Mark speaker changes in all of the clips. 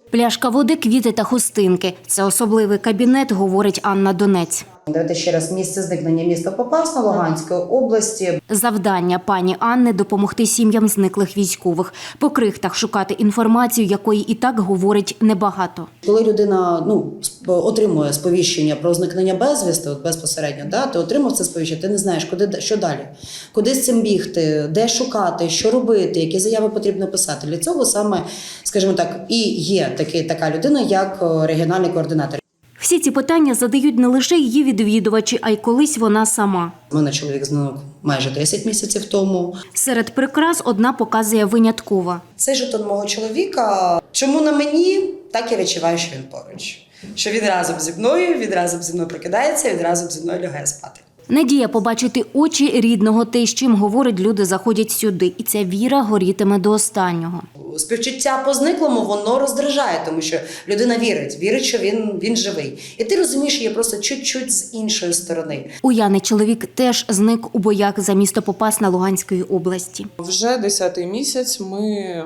Speaker 1: Пляшка води, квіти та хустинки – це особливий кабінет, говорить Анна Донець.
Speaker 2: Давайте ще раз, місце зникнення міста Попасна Луганської області.
Speaker 1: Завдання пані Анни – допомогти сім'ям зниклих військових. По крихтах шукати інформацію, якої і так говорить небагато.
Speaker 2: Коли людина отримує сповіщення про зникнення безвісти, безпосередньо, ти отримав це сповіщення, ти не знаєш, що далі, куди з цим бігти, де шукати, що робити, які заяви потрібно писати. Для цього саме, скажімо так, і є така людина, як регіональний координатор.
Speaker 1: Всі ці питання задають не лише її відвідувачі, а й колись вона сама.
Speaker 2: У мене чоловік зник майже 10 місяців тому.
Speaker 1: Серед прикрас одна показує виняткова.
Speaker 2: Цей жетон мого чоловіка, чому на мені, так я відчуваю, що він поруч. Що він разом зі мною прокидається, він разом зі мною лягає спати.
Speaker 1: Надія побачити очі рідного, те, з чим, говорить, люди заходять сюди. І ця віра горітиме до останнього.
Speaker 2: Співчуття по зниклому, воно роздражає, тому що людина вірить, що він живий. І ти розумієш її просто чуть-чуть з іншої сторони.
Speaker 1: У Яни чоловік теж зник у боях за місто Попасна Луганської області.
Speaker 3: Вже 10-й місяць ми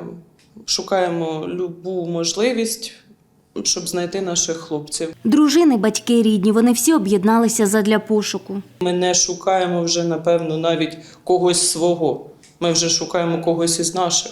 Speaker 3: шукаємо любу можливість, щоб знайти наших хлопців.
Speaker 1: Дружини, батьки, рідні – вони всі об'єдналися задля пошуку.
Speaker 3: Ми не шукаємо вже, напевно, навіть когось свого. Ми вже шукаємо когось із наших.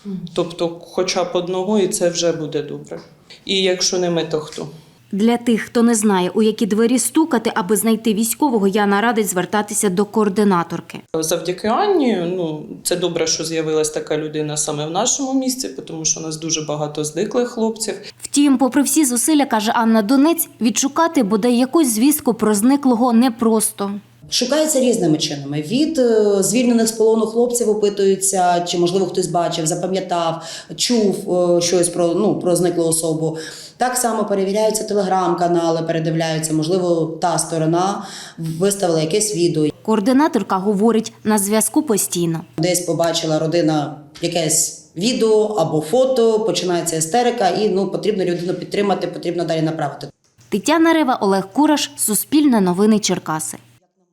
Speaker 3: Тобто хоча б одного, і це вже буде добре. І якщо не ми, то хто?
Speaker 1: Для тих, хто не знає, у які двері стукати, аби знайти військового, Яна радить звертатися до координаторки.
Speaker 3: Завдяки Анні, це добре, що з'явилась така людина саме в нашому місті, тому що у нас дуже багато зниклих хлопців.
Speaker 1: Втім, попри всі зусилля, каже Анна Донець, відшукати бодай якусь звістку про зниклого непросто.
Speaker 2: Шукається різними чинами. Від звільнених з полону хлопців опитуються, чи, можливо, хтось бачив, запам'ятав, чув щось про зниклу особу. Так само перевіряються телеграм-канали, передивляються, можливо, та сторона виставила якесь відео.
Speaker 1: Координаторка говорить, на зв'язку постійно.
Speaker 2: Десь побачила родина якесь відео або фото, починається істерика і потрібно людину підтримати, потрібно далі направити.
Speaker 1: Тетяна Рева, Олег Кураш, Суспільне новини Черкаси.